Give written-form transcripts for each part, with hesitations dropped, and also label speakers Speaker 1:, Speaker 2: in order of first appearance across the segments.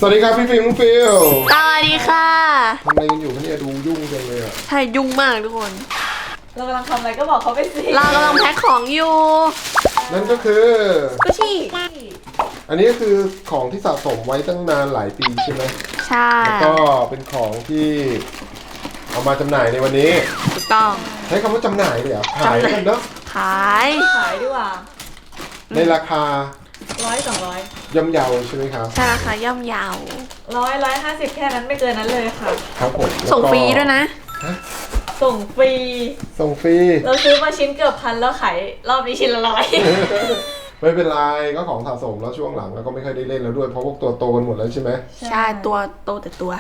Speaker 1: สวัสดีครับพี่ฟิล์มน้องฟิล
Speaker 2: สวัสดีค่ะ
Speaker 1: ทำอะไรกันอยู่คะเนี่ยดูยุ่งจังเลยอ่ะ
Speaker 2: ใช่ยุ่งมากทุกคน
Speaker 3: เรากำลังทำอะไรก็บอกเขาไปสิ
Speaker 2: เรากำลังแพ็คของอยู่
Speaker 1: นั่นก็คือ
Speaker 2: กุชชี่
Speaker 1: อันนี้ก็คือของที่สะสมไว้ตั้งนานหลายปีใช่ไหม
Speaker 2: ใช่
Speaker 1: แล้วก็เป็นของที่เอามาจำหน่ายในวันนี้
Speaker 2: ถูกต้อง
Speaker 1: ใช้คำว่าจำหน่ายเลยเหรอขายกันเนาะ
Speaker 2: ขาย
Speaker 3: ดีกว่า
Speaker 1: ในราคา
Speaker 3: 100-200
Speaker 1: ย่อมเยาใช่ไหมครับ
Speaker 2: ใช่ราคาย่อมเยา
Speaker 3: 100-150แค่นั้นไม่เกินนั้นเลยค่ะ
Speaker 1: ครับผม
Speaker 2: ส่งฟรีด้วยนะ
Speaker 3: ส่งฟรีเราซื้อมาชิ้นเกือบ1,000แล้วขายรอบนี้ชิ้นละ100
Speaker 1: ไม่เป็นไรก็ของสะสมแล้วช่วงหลังแล้วก็ไม่ค่อยได้เล่นแล้วด้วยเพราะพวกตัวโตกันหมดแล้วใช่ไหม
Speaker 2: ใช่ตัวโตแต่ตัว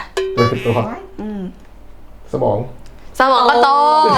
Speaker 1: สมอง
Speaker 2: ก็โต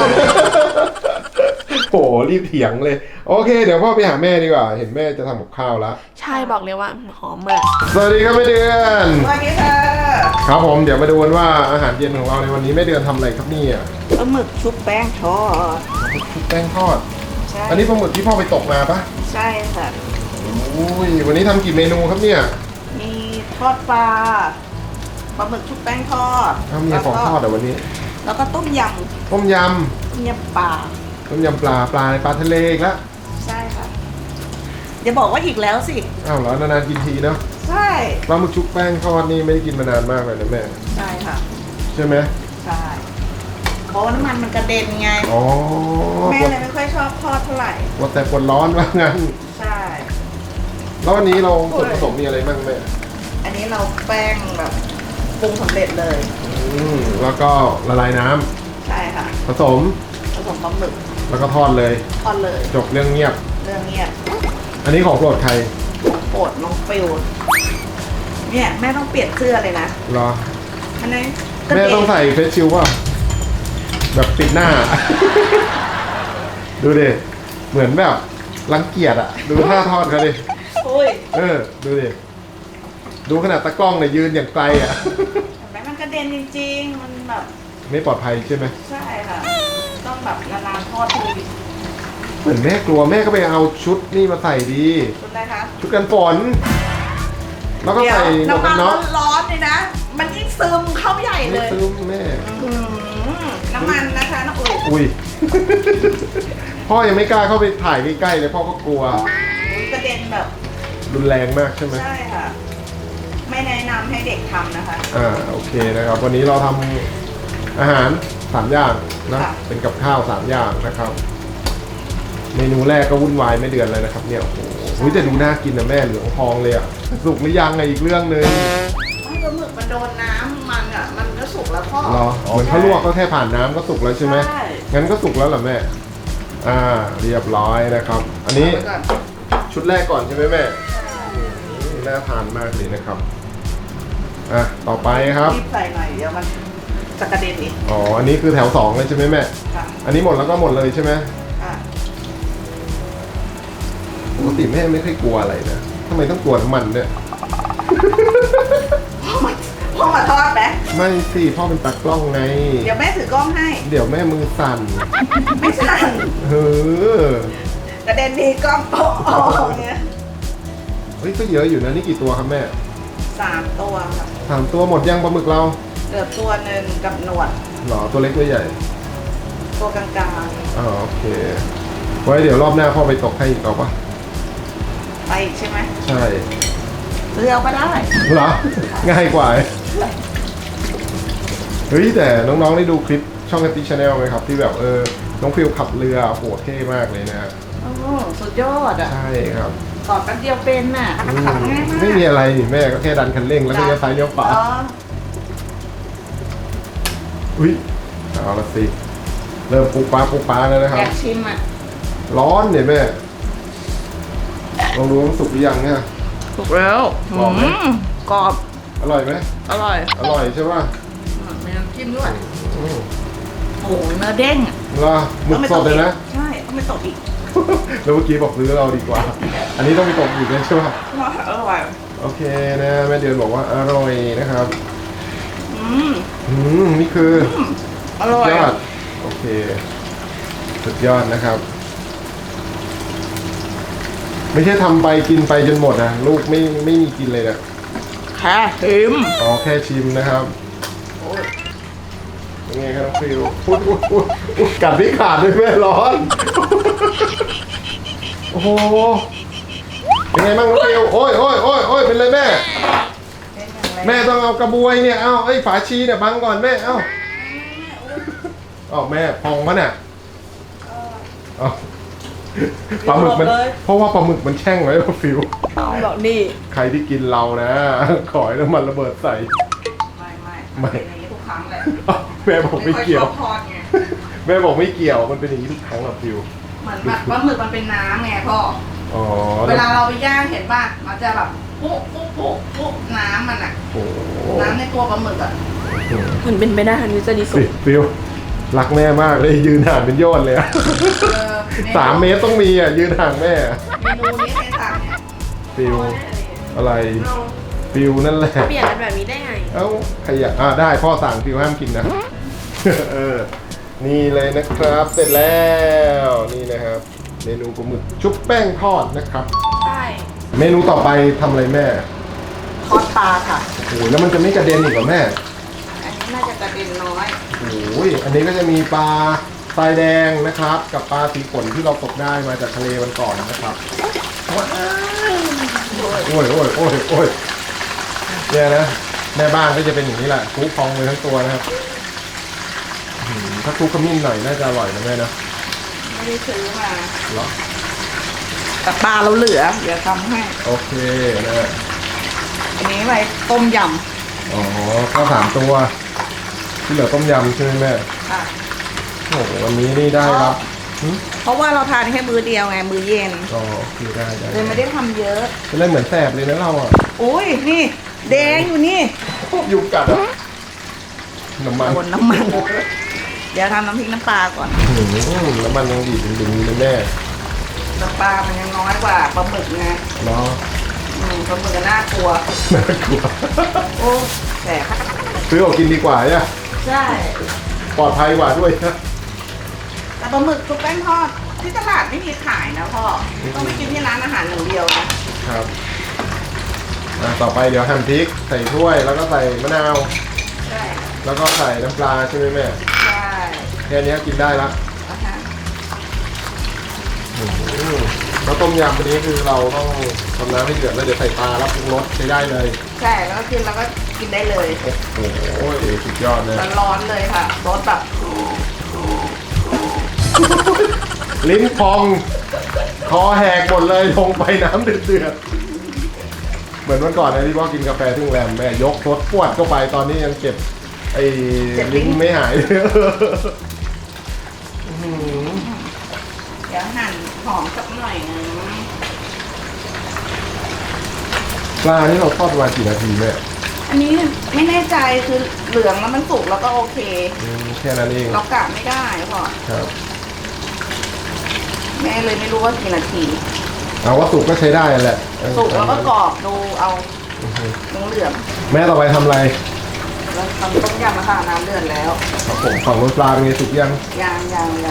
Speaker 1: โหรีบเถียงเลยโอเคเดี๋ยวพ่อไปหาแม่ดีกว่าเห็นแม่จะทำกับข้าวแล้ว
Speaker 2: ใช่บอกเลยว่าหอมมาก
Speaker 1: สวัสดีครับแม่เดือน
Speaker 3: สวัสดีค่ะ
Speaker 1: ครับผมเดี๋ยวมาดูกันว่าอาหารเย็นของเราในวันนี้แม่เดือนทำอะไรครับเนี่ย
Speaker 4: ปลาหมึกชุบแป้งทอด
Speaker 1: ชุบแป้งทอด
Speaker 4: ใช่
Speaker 1: อันนี้ปลาหมึกที่พ่อไปตกมาปะ
Speaker 4: ใช่ค่ะ
Speaker 1: อุ้ยวันนี้ทำกี่เมนูครับเนี่ย
Speaker 4: มีทอดปลาหมึกชุบแป้งทอด
Speaker 1: มีของทอดแต่วันนี้
Speaker 4: แล้วก็ต้มยำ
Speaker 1: ปลา
Speaker 4: ต้มยำปลา
Speaker 1: ปลาทะเลอีกแล้ว
Speaker 4: ใช่ค่ะอย่าบอกว่าอีกแล้วสิ
Speaker 1: อ้าวเหรอนานๆกินทีเนาะ
Speaker 4: ใช่
Speaker 1: ปลาหมึกชุบแป้งทอดนี่ไม่ได้กินมานานมากเลยนะแม่
Speaker 4: ใช่ค่ะ
Speaker 1: ใช่ไหม
Speaker 4: ใช่เพราะว่าน้ำมันกระเด็นไงแม่เลยไม่ค่อยชอบทอดเท่าไหร่
Speaker 1: แต่ปวดร้อนว่างั้น
Speaker 4: ใช่
Speaker 1: แล้ววันนี้เราส่วนผสมมีอะไรบ้างแม่
Speaker 4: อันนี้เราแป้งแบบปรุงสำเร็จเลย
Speaker 1: แล้วก็ละลายน้ำ
Speaker 4: ใช่ค่ะ
Speaker 1: ผสม
Speaker 4: ปลาหมึก
Speaker 1: แล้วก็ทอดเลยจบเรื่องเงียบอันนี้ของโปรดใคร
Speaker 4: ของโปรดน้องฟิวเนี่ยแม่ต้องเปลี่ยนเสื้อเลยนะ
Speaker 1: รอ
Speaker 4: อันนี้
Speaker 1: แม่ต้องใส่เฟซชิลว่าแบบปิดหน้าดูดิเหมือนแบบรังเกียจอะดูท่าทอดเขาดิดูดิดูขนาดตะกล้องเนี่ยยืนอย่างไกลอะ
Speaker 4: แม่มันกระเด็นจริงๆมันแบบ
Speaker 1: ไม่ปลอดภัยใช่ไหม
Speaker 4: ใช่ค่ะต้องแบบนานๆทอดที
Speaker 1: เหมือนแม่กลัวแม่ก็ไปเอาชุดนี่มาใส่ดี
Speaker 4: ชุดอะไรคะ
Speaker 1: ชุดกันฝนแล้วก็ใส่
Speaker 4: น้ำมันร้อนเลยนะมันยิ่งซึมเข้าใหญ่เลย
Speaker 1: ซึมแม่
Speaker 4: น้ำมันนะคะน้อง
Speaker 1: อุ้ยพ่อยังไม่กล้าเข้าไปถ่ายใกล้ๆเลยพ่อก็กลัว
Speaker 4: กระเด็นแบบ
Speaker 1: รุนแรงมากใช่ไหม
Speaker 4: ใช่ค่ะไม่แนะนำให้เด็กทำนะคะ
Speaker 1: โอเคนะครับวันนี้เราทำอาหาร3อย่างนะเป็นกับข้าว3อย่างนะครับเมนูแรกก็วุ่นวายไม่เดือนเลยนะครับเนี่ยโอ้โหจะดูน่ากินนะแม่เหลืองทองเลยอ่ะสุกหรือยังไงอีกเรื่องนึง
Speaker 4: ไม่ปลาหมึกมันโดนน้ำมันอ่ะมันก็สุกแล้วพ่อ
Speaker 1: เหรอเหมือนเขาลวกก็แค่ผ่านน้ำก็สุกแล้วใช่ไหมงั้นก็สุกแล้วเหรอแม่เรียบร้อยนะครับอันนี้ชุดแรกก่อนใช่ไหมแม่น่าทานมากเลยนะครับต่อไปครับ
Speaker 4: รีบใส่หน่อยเดี๋ยวมันจะกระเด็นอีก
Speaker 1: อันนี้คือแถว2เลยใช่ไหมแม่อันนี้หมดแล้วก็หมดเลยใช่ไหมปกติแม่ไม่ค่อยกลัวอะไรนะทำไมต้องกลัวน้ำมันเนี่ย
Speaker 4: พ่อมาทอดไหม
Speaker 1: ไม่สิพ่อเป็นตากล้องไง
Speaker 4: เดี๋ยวแม่ถือกล้องให้
Speaker 1: เดี๋ยวแม่มือสั่น
Speaker 4: ไม่สั่นกระเด็นดีกล้องโป๊ะเนี่ย
Speaker 1: เฮ้ยก็เยอะอยู่นะนี่กี่ตัวครับแม่
Speaker 4: 3 ตัวค่ะ
Speaker 1: 3 ตัวหมดยังปลาหมึกเรา
Speaker 4: เหลือตัวนึงกับหนวด
Speaker 1: หรอตัวเล็กตัวใหญ่
Speaker 4: ตัวกลาง
Speaker 1: ๆโอเคไว้เดี๋ยวรอบหน้าพ่อไปตกให้อีกเอาปะ
Speaker 4: ไปใช่ไหม
Speaker 1: ใช่
Speaker 4: เรือก็ได้
Speaker 1: เหรอง่ายกว่าเฮ้ยแต่น้องๆได้ดูคลิปช่องแอปปี้ชาแนลไหมครับที่แบบน้องฟิลขับเรือโหเท่มากเลยนะ
Speaker 4: สุดยอดอ่ะ
Speaker 1: ใช่ครับ
Speaker 4: กอดกันเดียวเป็นน่ะขับง่ายมาก
Speaker 1: ไม่มีอะไรนี่แม่ก็แค่ดันคันเร่งแล้วก็เลี้ยวซ้ายเลี้ยวขวาอุ้ยเอาละสิเริ่มปุ๊บป๊าแล้วนะครับ
Speaker 4: อยากชิมอ่ะ
Speaker 1: ร้อนเนี่ยแม่ลองดูว่าสุกหรือยังเนี่ย
Speaker 4: สุกแล้วกรอบ
Speaker 1: อร่อยไหม
Speaker 4: อร่อย
Speaker 1: ใช่ป่ะ
Speaker 4: มีน้ำจิ้มด้วยโอ้โหเนื้อเด้ง
Speaker 1: เหรอหมึกสดเลยนะ
Speaker 4: ใช่ต้องไม่ตกอีก
Speaker 1: แล้วเมื่อกี้บอกซื้อเราดีกว่าอันนี้ต้องไปตกอีกเลยใช่ป่ะ
Speaker 4: อร่อย
Speaker 1: โอเคนะแม่เดือนบอกว่าอร่อยนะครับนี่คือ
Speaker 4: อร่อย
Speaker 1: ยอดโอเคสุดยอดนะครับไม่ใช่ทำไปกินไปจนหมดนะลูกไม่มีกินเลยนะ
Speaker 4: คแค่ชิม
Speaker 1: อ๋อแค่ชิมนะครับยังไงครับน้องฟิวพูดกัดที่ขาดด้วยแม่ร้อน โอ้โหยังไงบ้างน้องฟิวโอ้ยเป็นไรแม่ แม่ต้องเอากระบวยเนี่ยเอาไอ้ฝาชีเนี่ยบังก่อนแม่เอาแม่พองมันอ่ะเอาปลาหมึกมันเพราะว่าปลาหมึกมันแช่งไว้ฟิว
Speaker 4: บอกนี่
Speaker 1: ใครที่กินเรานะ ขอให้น้ำมันระเบิดใส่
Speaker 4: ไม่เป็นอย่างนี้ทุกครั้งเลย
Speaker 1: แม่บอกไม่เกี่ยว
Speaker 4: ค่อชอบทอดไง
Speaker 1: แม่บอกไม่เกี่ยวมันเป็นอย่างนี้ทุกครั้งอะฟิว
Speaker 4: เหมือนแบบปลาหมึกมันเป็นน้ำไงพ่อ
Speaker 1: อ๋อ
Speaker 4: เวลาเราไปย่างเห็นป่ะ มันจะแบบปุ๊บน้ำมันอะ
Speaker 1: โอ้โห
Speaker 4: น้ำในตัวปลาหมึกอะ
Speaker 2: มันเป็นไปได้ทันวิจารณ์สุด
Speaker 1: ฟิวรักแม่มากเลยยืนห่างเป็นยอดเลยอะ 3 เมตรต้องมีอ่ะยืนห่างแม่
Speaker 4: เมนูนี้ใครสั่งเนี่ย
Speaker 1: ฟิวอะไรฟิวนั่นแหละ
Speaker 2: เปลี่ยนกันแบบนี้ได้ไง
Speaker 1: เอ้าใครอยากได้พ่อสั่งฟิวห้ามกินนะ เออ นี่เลยนะครับเสร็จแล้วนี่นะครับ เมนูปลาหมึกชุบแป้งทอดนะครับ
Speaker 2: ใช่
Speaker 1: เมนูต่อไปทำอะไรแม่
Speaker 4: ทอดปลาค่ะ
Speaker 1: โอ้ยแล้วมันจะไม่กระเด็นอีกเหรอแม่
Speaker 4: อันนี้น่าจะกระเด็นน้อย
Speaker 1: โอ้ยอันนี้ก็จะมีปลาทรายแดงนะครับ กับปลาสีฝนที่เราตกได้มาจากทะเลวันก่อนนะครับว้าวโอ้ยเนี่ยนะแม่บ้านก็จะเป็นอย่างนี้แหละคลุกพองเลยทั้งตัวนะครับถ้าคลุกขมิ้นหน่อยน่าจะอร่อยนะแม่นะ
Speaker 4: ไม่ได้ซื้อมา
Speaker 1: เหรอ
Speaker 4: แต่ปลาเราเหลือ เดี๋ยวทำให้
Speaker 1: โอเคนะ
Speaker 4: อันนี้ไว้ต้มย
Speaker 1: อ๋อข้าว3 ตัว ที่เหลือต้มยำใช่ไหมแม่
Speaker 4: ำค่ะ
Speaker 1: โอ้โหวันนี้นี่ได้รับ
Speaker 4: เพราะว่าเราทานแค่มื้อเดียวไง มื้อเย็น
Speaker 1: อ๋อโอเคได้
Speaker 4: เลยไม่ได้ทำเยอะ
Speaker 1: จะได้เหมือนแสบเลยนะเราอ่ะ
Speaker 4: อุ้ยนี่แดงอยู่นี่
Speaker 1: ยุงกัดอ่ะน้ำมัน
Speaker 4: โดนน้ำมัน เดี๋ยวทำน้ำพริกน้ำปลาก่อน
Speaker 1: น้ำมันยังดีดึงๆเลยแม่
Speaker 4: น้ำปลามันยังน้อยกว่าปลาหมึกไง
Speaker 1: เนาะ
Speaker 4: ปลาหมึกก็น่ากลัว
Speaker 1: น่ากลัว
Speaker 4: โอ้แต่
Speaker 1: ซื้อออกกินดีกว่าเนี่ย
Speaker 4: ใช่
Speaker 1: ปลอดภัยกว่าด้วยนะ
Speaker 4: แต่ปลาหมึกชุบแป้งทอดที่ตลาดไม่มีขายนะพ่อ ต้องไปกินที่ร้านอาหารอย่างเดียวนะครับ
Speaker 1: ต่อไปเดี๋ยวหั่นพริกใส่ถ้วยแล้วก็ใส่มะนาว
Speaker 4: ใช่
Speaker 1: แล้วก็ใส่น้ำปลาใช่ไหมแม่
Speaker 4: ใช่
Speaker 1: แค่นี้กินได้ละ
Speaker 4: อ่ะฮะ
Speaker 1: แล้วต้มยำวันนี้คือเราต้องทำน้ำให้เดือดแล้วเดี๋ยวใส่ปลาแล้วปรุงรสใช้ได้เลย
Speaker 4: ใช่แล้วก็กินแล้วก็กินได้เลย
Speaker 1: โอ้โหสุดยอดเลย
Speaker 4: ร้อนๆเลยค่ะรสแบบ
Speaker 1: ลิ้นพองคอแหกหมดเลยลงไปน้ำเดือดๆเหมือนวันก่อนนะที่พ่อกินกาแฟที่โรงแรมแม่ยกรถปวดเข้าไปตอนนี้ยังเก็บไอ้ลิ้นไม่หายเลย
Speaker 4: เดี๋ยวหั่นหอมสักหน่อยนึง
Speaker 1: ปลานี่เราทอดประมาณกี่นาทีแม่
Speaker 4: อันนี้ไม่แน่ใจคือเหลืองแล้วมันสุกแล้วก็โอเค
Speaker 1: แค่นั้นเอง
Speaker 4: เรากะไม่ได้พ่อ
Speaker 1: ครับ
Speaker 4: แม่เลยไม่รู้ว่ากี่นาที
Speaker 1: เอาว่าสุกก็ใช้ได้แหละ
Speaker 4: สุกแล้วก็กรอบดูเอาเหลือง
Speaker 1: แม่ต่อไปทำอะไร
Speaker 4: ๆแล้วทำต้มยำนะคะน้ำเดือดแล้ว
Speaker 1: ครับผมฝั่งรสปลาเป็นไงสุกยัง
Speaker 4: ยาง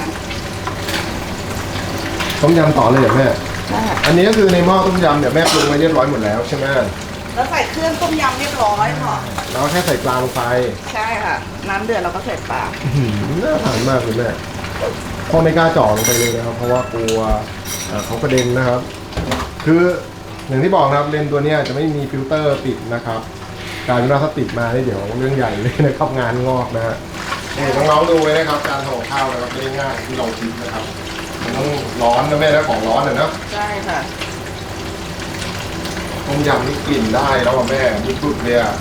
Speaker 1: ต้มยำต่อเลยเหรอแม่
Speaker 4: ได้ค่ะ
Speaker 1: อันนี้ก็คือในหม้อต้มยำเนี่ยแม่ปรุงมาเรียบร้อยหมดแล้วใช่ไหม
Speaker 4: แล้วใส่เครื่องต้มยำเรียบร้อยพ่อ
Speaker 1: เราแค่ใส่ปลาลงไป
Speaker 4: ใช่ค่ะ น้ำเดือดเราก็ใส่ปลา
Speaker 1: น่าทานมากเลยแม่พ่อไม่กล้าจ่อลงไปเลยนะครับ เพราะว่ากลัวเขากระเด็นนะครับ คืออย่างที่บอกนะครับเลนส์ตัวเนี้ยจะไม่มีฟิลเตอร์ติดนะครับกลายเป็นว่าถ้าติดมาเนี่ยเดี๋ยวเรื่องใหญ่เลยนะครับงานงอกนะฮะนี่น้องๆดูไว้นะครับการทำกับข้าวนะครับไม่ได้ง่ายที่เราคิดนะครับมันต้องร้อนนะแม่นะของร้อนนะ
Speaker 4: ใช่ค่ะ
Speaker 1: ต้มยำนี่กลิ่นได้แล้วอะแม่ยิ่งสุดเลยอ่ะ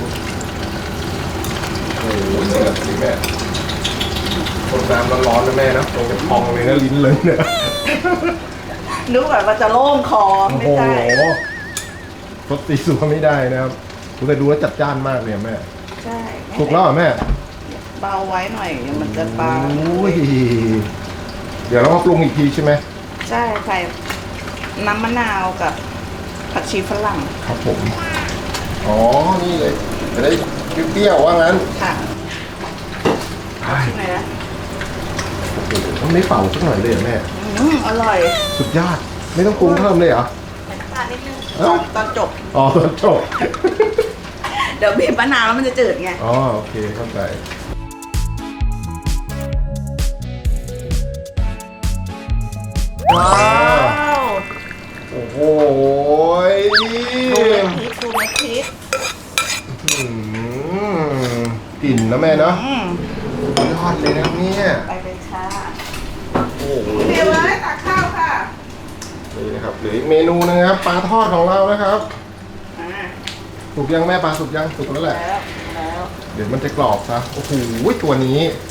Speaker 1: โอ้โหเดือดสิแม่คนน้ำร้อนๆนะแม่นะตรงจะพองเลยนะลิ้นเลยเนี่ย
Speaker 4: นึกแบบว่าจะโล่งคอ
Speaker 1: โอ้
Speaker 4: ไม่
Speaker 1: โห
Speaker 4: ใช่
Speaker 1: รสตีสัวไม่ได้นะครับแต่ดูแล้วจัดจ้านมากเลยอะแม่
Speaker 4: ใช่
Speaker 1: ถูกแล้วเหรอแม่
Speaker 4: เบาไว้หน่อยเดี๋ยวมันจะปลา
Speaker 1: โอ้ยเดี๋ยวเรามาปรุงอีกทีใช่ไหม
Speaker 4: ใช่ใส่น้ำมะนาวกับผักชีฝรั่ง
Speaker 1: ครับผมอ๋อนี่เลยจะได้เปรี้ยวๆว่างั้น
Speaker 4: ค่ะ
Speaker 1: ใช่
Speaker 4: ไหนนะ
Speaker 1: ต้องไม่เป่าสักหน่อยเลยเหรอแม่
Speaker 4: อร่อย
Speaker 1: สุดยอดไม่ต้องปรุงเพิ่มเลยเหรอ
Speaker 4: ใส่น้ำตาลนิดนึง
Speaker 1: เอ้า
Speaker 4: ตอนจบ
Speaker 1: อ๋อตอนจบ
Speaker 4: เดี๋ยวบีบมะนาวแล้วมันจะจืดไง
Speaker 1: อ๋อโอเคเข้าใจว้าว
Speaker 4: ว
Speaker 1: โอ้โห
Speaker 4: ดูเม็ดพริกดูเม็ดพริก
Speaker 1: อืมกลิ่นนะแม่เนาะ
Speaker 4: อืม
Speaker 1: ยอดเลยนะเนี่ย
Speaker 4: ไปเลยค่ะ
Speaker 1: โอ้โห
Speaker 4: เดี๋ยวเลยตักข้าวค่ะ
Speaker 1: นี่นะครับเหลืออีกเมนูนึงนะครับปลาทอดของเรานะครับ
Speaker 4: อ่า
Speaker 1: สุกยังแม่ปลาสุกยังสุกแล้วแหละ
Speaker 4: แล้ว
Speaker 1: เดี๋ยวมันจะกรอบซะโอ้โหตัวนี้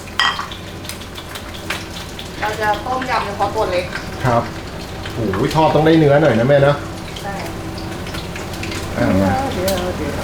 Speaker 4: เราจะต้มยำเฉพาะตัวเล็ก
Speaker 1: ครับโอ้โหทอดต้องได้เนื้อหน่อยนะแม่เนาะ
Speaker 4: ใช่
Speaker 1: มา
Speaker 4: เดี๋ยว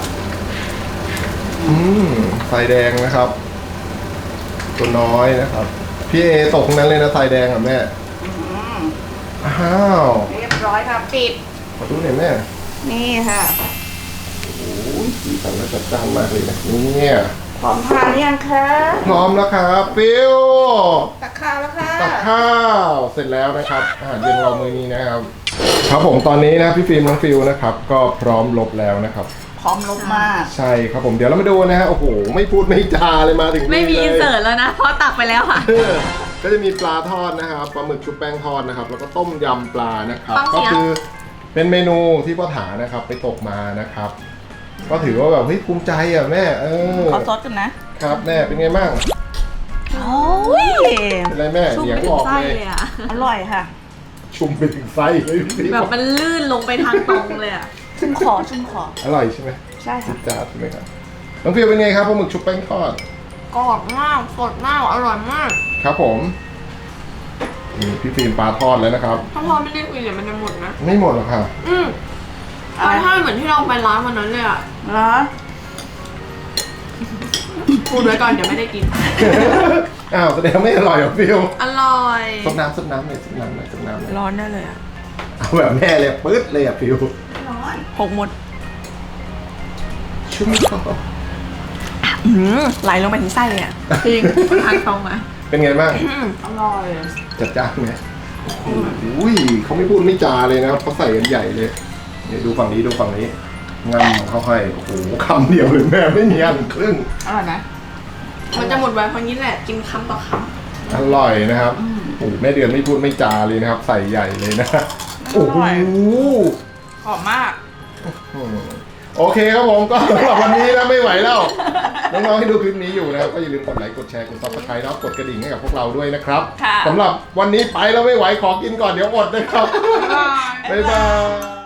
Speaker 1: อืมทรายแดงนะครับ ตัวน้อยนะครับ พี่เอตกนั้นเลยนะทรายแดงอ่ะแม่
Speaker 4: อืม
Speaker 1: อ้าว
Speaker 4: เรียบร้อยค่ะปิด
Speaker 1: ขอดูหน่อยแม่
Speaker 4: นี่ค่ะ
Speaker 1: โอ้ยสีสันและจัดจ้านมากเลยนะเนี่ย
Speaker 4: พร้อมทานหรือยังคะ
Speaker 1: พร้อมแล้วครับฟิว
Speaker 4: ตักข้าวแล้วค่ะ
Speaker 1: ตักข้าวเสร็จแล้วนะครับอาหารเย็นเรามื้อนี้นะครับ ครับผมตอนนี้นะพี่ฟิล์มน้องฟิวนะครับ ก็พร้อมลบแล้วนะครับ
Speaker 4: พร้อมลบมาก
Speaker 1: ใช่ครับผมเดี๋ยวเรามาดูนะฮะโอ้โหไม่พูดไม่จาเลยมาถึงนี่
Speaker 3: ไม่มี
Speaker 1: ลย
Speaker 3: อินเสิร์ตแล้วนะเพราะตักไปแล้วค่ะ
Speaker 1: ก็จะมีปลาทอดนะครับปลาหมึกชุบแป้งทอดนะครับ แล้วก็ต้มยำปลานะครับ
Speaker 3: ฟังเสี
Speaker 1: ก็
Speaker 3: ยง
Speaker 1: คือเป็นเมนูที่พ่อถานะครับไปตกมานะครับ ก็ถือว่าแบบเฮ้ยภูมิใจอ่ะแม่
Speaker 4: ขอซดกันนะครับ
Speaker 1: แม่เป็นไงบ้าง
Speaker 4: โอ้ย
Speaker 1: เป็นไรแม่
Speaker 3: ชุ่ม
Speaker 1: เสีย
Speaker 3: ไป
Speaker 1: ง
Speaker 3: ถึ
Speaker 1: อง อก
Speaker 3: ไส้
Speaker 1: เลย
Speaker 3: เลยอ่ะ
Speaker 4: อร่อยค่ะ
Speaker 1: ชุ่มไปถึงไส้เลยพี่
Speaker 3: แบบมันลื่นลงไปทางตรงเลยอ่ะ
Speaker 4: ชุ่มคอชุ่มคอ
Speaker 1: อร่อยใช่ไหม
Speaker 4: ใช่ค่ะ
Speaker 1: จ้าใช่ไหมครับน้องฟิวเป็นไงครับปลาหมึกชุบแป้งทอด
Speaker 3: กรอบมากสดมากอร่อยมาก
Speaker 1: ครับผมนี่พี่ฟิล์มปลาทอดแล้วนะครับ
Speaker 3: ถ้าพอไม่ได้คุยเดี๋ยวมันจะหมดนะ
Speaker 1: ไม่หมดหรอกค่ะ
Speaker 3: ปลาทอดเหมือนที่เราไปร้านวันนั้นเลยอ่ะ
Speaker 4: เหรอ
Speaker 3: พูดไว้ก่อนเดี๋ยวไม่ได้กิน
Speaker 1: อ้าวแสดงไม่อร่อยเหรอฟิว
Speaker 3: อร่อย
Speaker 1: ซดน้ำซดน้ำเลยซดน้ำเลยซดน้ำเลย
Speaker 3: ร้อนได้เลยอ่ะ
Speaker 1: เอาแบบแม่เลยปื๊ดเลยอ่ะฟิว
Speaker 4: ร้อน
Speaker 3: หกหมด
Speaker 1: ชุ่มคอ
Speaker 3: ไหลลงไปถึงไส้เลยอ่ะจริงทางตรงอ่ะ
Speaker 1: เป็นไงบ้าง
Speaker 4: อร่อย
Speaker 1: จัดจ้านไหมอุ้ยเขาไม่พูดไม่จาเลยนะครับเขาใส่กันใหญ่เลยเดี๋ยวดูฝั่งนี้ดูฝั่งนี้งำเขาให้โอ้โหคำเดียวเลยแม่ไม่มีอันครึ่ง
Speaker 4: อร่อยไหม
Speaker 3: มันจะหมดไวเพราะงี้แหละกินคำต่อค
Speaker 1: อร่อยนะครับโอ้โหแม่เดือนไม่พูดไม่จาเลยนะครับ ใส่ใหญ่เลยนะโอ้โห
Speaker 4: หอมมาก
Speaker 1: โอเคครับผมก็สำหรับวันนี้นะไม่ไหวแล้ว น้องๆที่ดูคลิปนี้อยู่นะครับก็อย่าลืมกดไลค์กดแชร์กดซับสไครต์แล้วกดกระดิ่งให้กับพวกเราด้วยนะครับ
Speaker 4: ค่ะ
Speaker 1: สำหรับวันนี้ไปแล้วไม่ไหวขอกินก่อนเดี๋ยวอดนะครับ
Speaker 3: ำ
Speaker 1: บ๊ายบาย